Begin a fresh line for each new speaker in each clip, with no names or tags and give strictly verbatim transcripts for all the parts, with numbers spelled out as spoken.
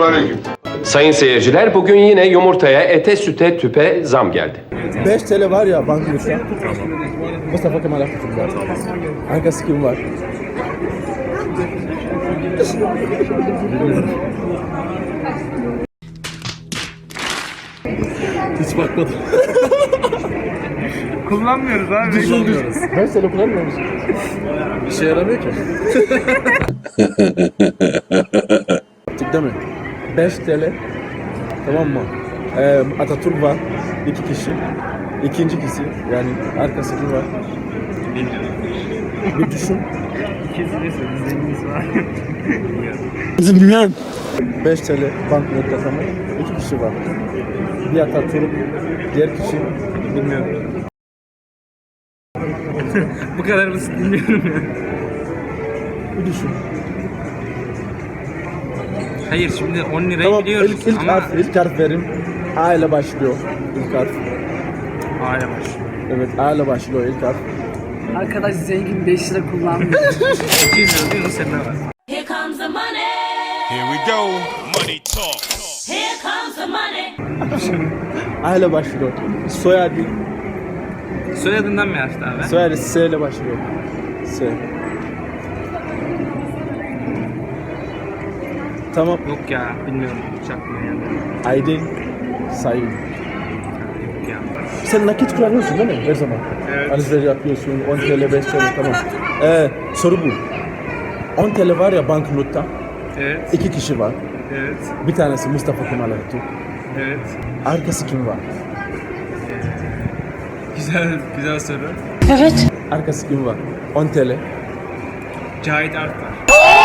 Selamünaleyküm.
Sayın seyirciler, bugün yine yumurtaya, ete, süte, tüpe zam geldi.
beş TL var ya banknotta. Mustafa Kemal Atatürk var. Arkası kim var? Hiç bakmadım.
Kullanmıyoruz abi.
Düşünmüyoruz. beş TL kullanmıyor musun? İşe yaramıyor ki. Tık değil mi? beş TL. Tamam mı? Ee, Atatürk var. İki kişi. İkinci kişi. Yani arkası kim var? Bir düşün.
İkisi de zenginiz var.
Bilmiyorum. beş TL banknotta tamam. İki kişi var. Bir Atatürk, diğer kişi bilmiyorum.
Bu kadar basit bilmiyorum ya.
Bir düşün.
Hayır şimdi on lirayı
Tamam,
biliyoruz
ilk, ilk
ama
harf, ilk harf verim. A ile başlıyor ilk harf.
A'ya baş.
Evet, A ile başlıyor ilk harf.
Arkadaş zengin beş lira kullanmıyor.
iki yüz lira diyorsun sende var.
Here comes the money.
Here we go. Money talk.
Here comes the money.
A ile başlıyor. Soyadı,
Soyadından mı yazdı abi?
soyadı S ile başlıyor. S. Tamam,
Yok ya bilmiyorum. Hiç aklıma gelmedi.
Aydın Sayın.
Yok ya.
Sen nakit kullanıyorsun değil mi her zaman?
Evet.
Alışveriş yapıyorsun, on TL, beş TL tamam. Ee, soru bu. on TL var ya banknotta,
Evet.
iki kişi var.
Evet.
Bir tanesi Mustafa Kemal Atatürk.
Evet.
Arkası kim var?
Güzel güzel soru.
Arkası kim var? on TL.
Cahit Artar.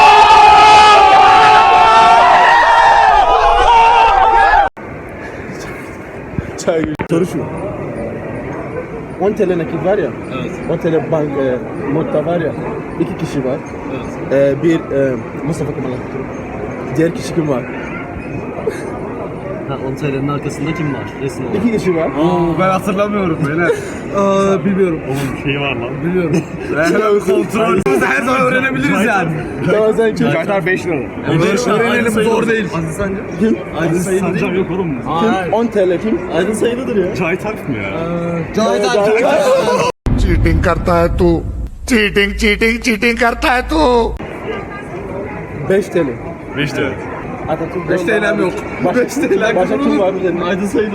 Çay gibi. Soru şu. on TL nakit var ya.
Evet.
on TL bank e, notta var ya. İki kişi var.
Evet.
E, bir e, Mustafa Kemal Atatürk. Diğer kişi kim var?
Ha, on T L'nin arkasında kim var? Resim olarak.
İki kişi var.
Ben hatırlamıyorum böyle.
Aa, bilmiyorum.
Oğlum şey var lan.
Biliyorum.
Kontrol. Her zaman öğrenebiliriz yani.
Tamam sen kim?
Cahitler beş lira.
Öğrenelim zor değil.
Aziz Sancı. Kim?
Aydın Sancam yok oğlum.
Kim? on TL kim?
Aydın sayılıdır ya.
Cahit Arf mı ya?
Cahit Atatürk.
Cheating करता है तू cheating cheating cheating करता है तू
beş TL.
beş lira.
Atatürk.
beş T L'm yok.
Başka,
beş T L'm
başka kim var üzerinde?
Aydın sayılı.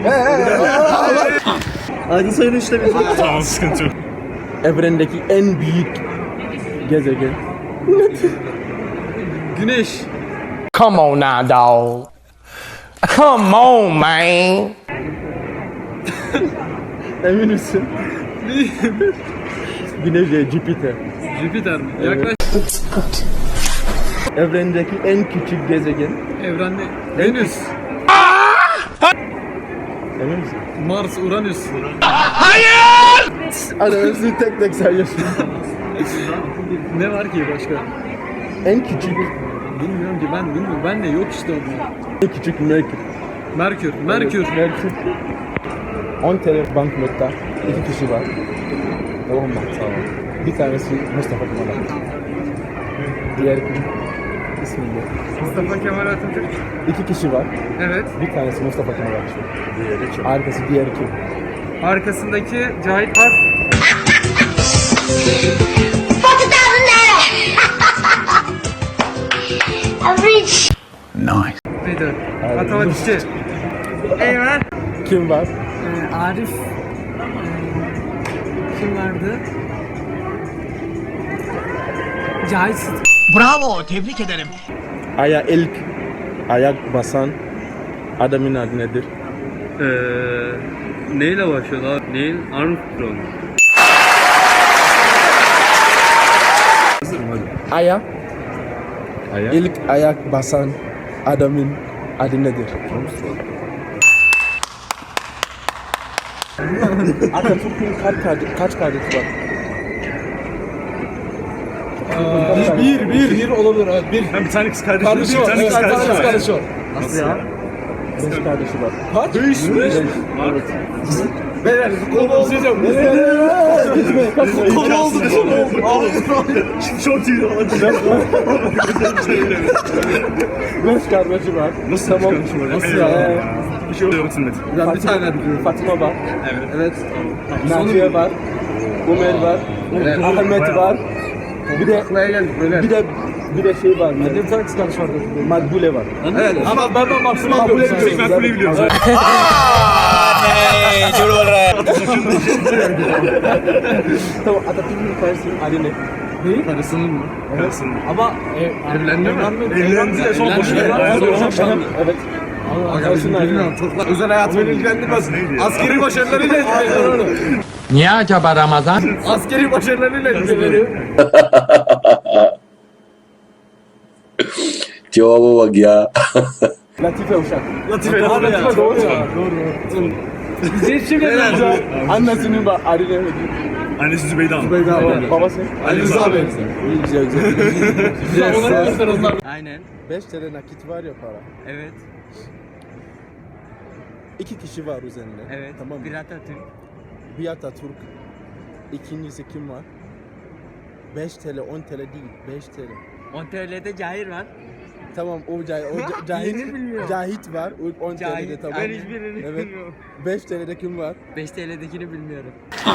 Aydın sayılı işte bizim.
Tamam, sıkıntı yok.
Evrendeki en büyük gezegen.
Güneş.
Come on now, dog. Come on, man.
Emin misin? Güneş değil, Jüpiter.
Jüpiter mi? Yaklaş.
Evrendeki en küçük gezegen.
Evrende. Venüs.
Emin misin?
Mars, Uranüs.
Hadi hepsini tek tek sayıyorsun.
Ne var ki başka?
En küçük,
Bilmiyorum ki ben bilmiyorum. Ben de yok işte onlar.
en küçük Merkür.
Merkür. Merkür.
Merkür. on TL banknotta iki kişi var. Tamam mı? Tamam. Bir tanesi Mustafa Kemal Atatürk. Diğer kim? İsmi ne?
Mustafa Kemal Atatürk.
İki kişi var.
Evet.
Bir tanesi Mustafa Kemal Atatürk. Diğeri kim? Arkası diğer kim?
Arkasındaki Cahit Arf.
forty thousand naira. Average.
Neydi? Matematikçi. Eyvah.
Kim var?
Ee, Arif ee, kim vardı? Cahit Sıtkı.
Bravo, tebrik ederim.
Aya ilk ayak basan adamın adı nedir?
Eee... Neyle başlıyor lan? Neil Armstrong.
Aya
Ayak.
ilk ayak basan adamın adı nedir? Atatürk'ün kaç kardeş, kaç kardeşi var?
Bir, bir. Bir olabilir abi. Bir.
Ben bir tane kız kardeşim.
Kardeşi
Bir
var.
tane
Evet,
kız kardeşim var.
kardeşi var.
Nasıl ya? Beş kardeşi var.
Kaç? Beş mi?
Evet. Beyler kolu oldu. Kolu oldu.
Çok iyi oldu.
Beş kardeşi var.
Nasıl
Tamam.
kardeşim var?
Nasıl
Eyvallah.
ya?
Bir şey oluyor Sünnet.
Ben bir tane biliyorum. Fatıma var.
Evet.
Evet. Naciye var. Ömer var. Ahmet var. Bir de bir de bir de şey var. Bir tane kız kardeş var. Makbule var.
Evet ama ben ben maksimum
Makbule
biliyorum.
Tek ben kuleyi biliyorum.
Tamam, Atatürk'ün karısının adı ne?
Neyi? Karısının mı?
Karısın.
Ama evlendi mi?
Evlendi de son boşuna.
Evet.
Karısının bilmiyorum. Çok özel hayatımı ilgilendirmez. Askeri başarılarıyla ilgileniyor.
Niye acaba Ramazan?
Askeri başarılarıyla ilgileniyor.
Cevaba bak ya.
Latife Uşak.
Latife.
Latife doğru ya. Doğru.
Bize hiç şey gelmez.
Annesinin var. Adı ne?
Annesi Zübeyde Hanım.
Beyda var. Babası?
Ali Rıza Bey.
İyi, güzel güzel. Güzel.
Aynen.
beş T L nakit var ya para.
Evet.
İki kişi var üzerinde.
Evet.
Tamam mı?
Bir Atatürk.
Bir Atatürk. İkincisi kim var? beş T L, on T L değil. beş T L.
on T L'de Cahir var.
Tamam o, cah o ca- Cahit,
Yeni bilmiyorum.
Cahit var. O on T L'de
Cahit.
tamam.
Ben hiçbirini
Evet.
bilmiyorum.
beş T L'de kim var?
beş T L'dekini bilmiyorum.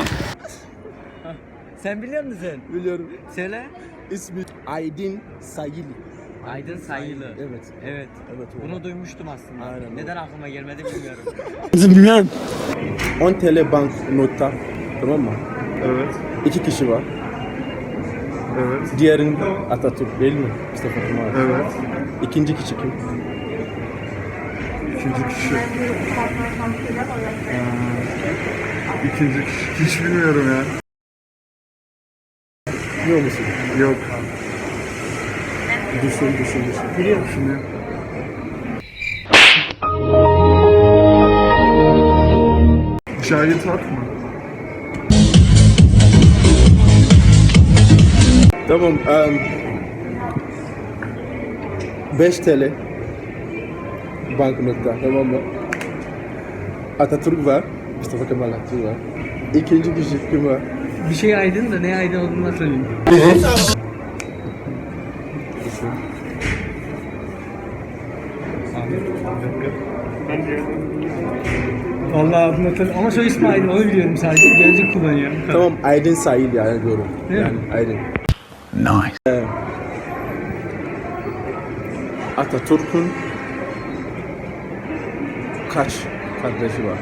Sen biliyor musun sen?
Biliyorum.
Söyle.
İsmi Aydin Sayili.
Aydın Sayılı.
Evet.
Evet.
Evet, o.
Bunu duymuştum aslında.
Aynen,
Neden aklıma gelmedi bilmiyorum.
on T L bank nota. Tamam mı?
Evet.
İki kişi var.
Evet.
Diğerin Atatürk değil mi? Mustafa Kemal.
Evet.
İkinci kişi kim?
İkinci kişi. Ee, ikinci kişi. Hiç bilmiyorum ya.
Biliyor musun?
Yok.
Düşün, düşün, düşün.
Biliyor musun?
Cahit Ak mı?
Tamam. Um, beş T L banknotta, tamam mı? Atatürk var. Mustafa Kemal Atatürk var. İkinci kişi kim var?
Bir şey aydın da ne aydın olduğunu söyleyeyim.
Düşün.
Vallahi hatırlatalım. Ama soy ismi Aydın onu biliyorum sadece. Gözlük kullanıyor.
Tamam, Aydın Sahil yani diyorum.
Değil mi?
Yani Aydın.
Nice.
Ee, Atatürk'ün kaç kardeşi var?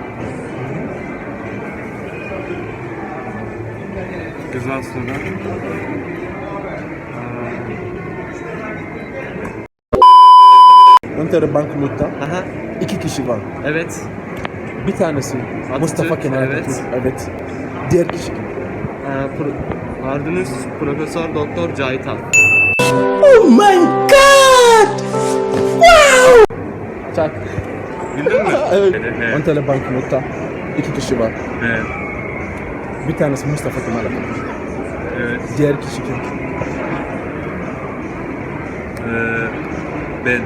Güzel soru.
on T L banknotta
Aha.
iki kişi var.
Evet.
Bir tanesi Mustafa Kemal
evet.
Atatürk. Evet. Diğer kişi kim?
Ee, pro- Ardınız Profesör Doktor Cahit Ak.
Çak.
Bildin mi?
Evet.
Evet.
on T L banknotta iki kişi var.
Evet.
Bir tanesi Mustafa Kemal Atatürk.
Evet.
Diğer kişi kim?
Ee, ben.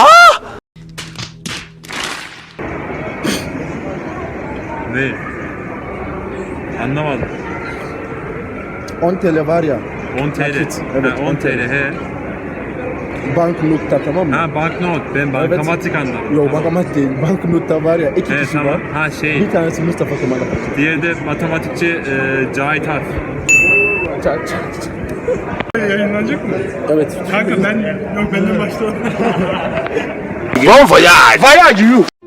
Ne? Anlamadım.
on T L var ya.
on T L.
Nakit. Evet,
Ha, on T L he.
Banknotta, tamam mı?
Ha banknot. Ben bankamatik anladım.
Yok, bankamatik değil. Banknotta var ya iki
Evet
kişi
tamam.
var.
Ha şey.
Bir tanesi Mustafa Kemal Atatürk.
Diğeri de matematikçi e, Cahit Arf.
Çak çak çak.
Yayınlanacak mı?
Evet.
Kanka ben yok benden başla.
Bon voyage! Voyage you!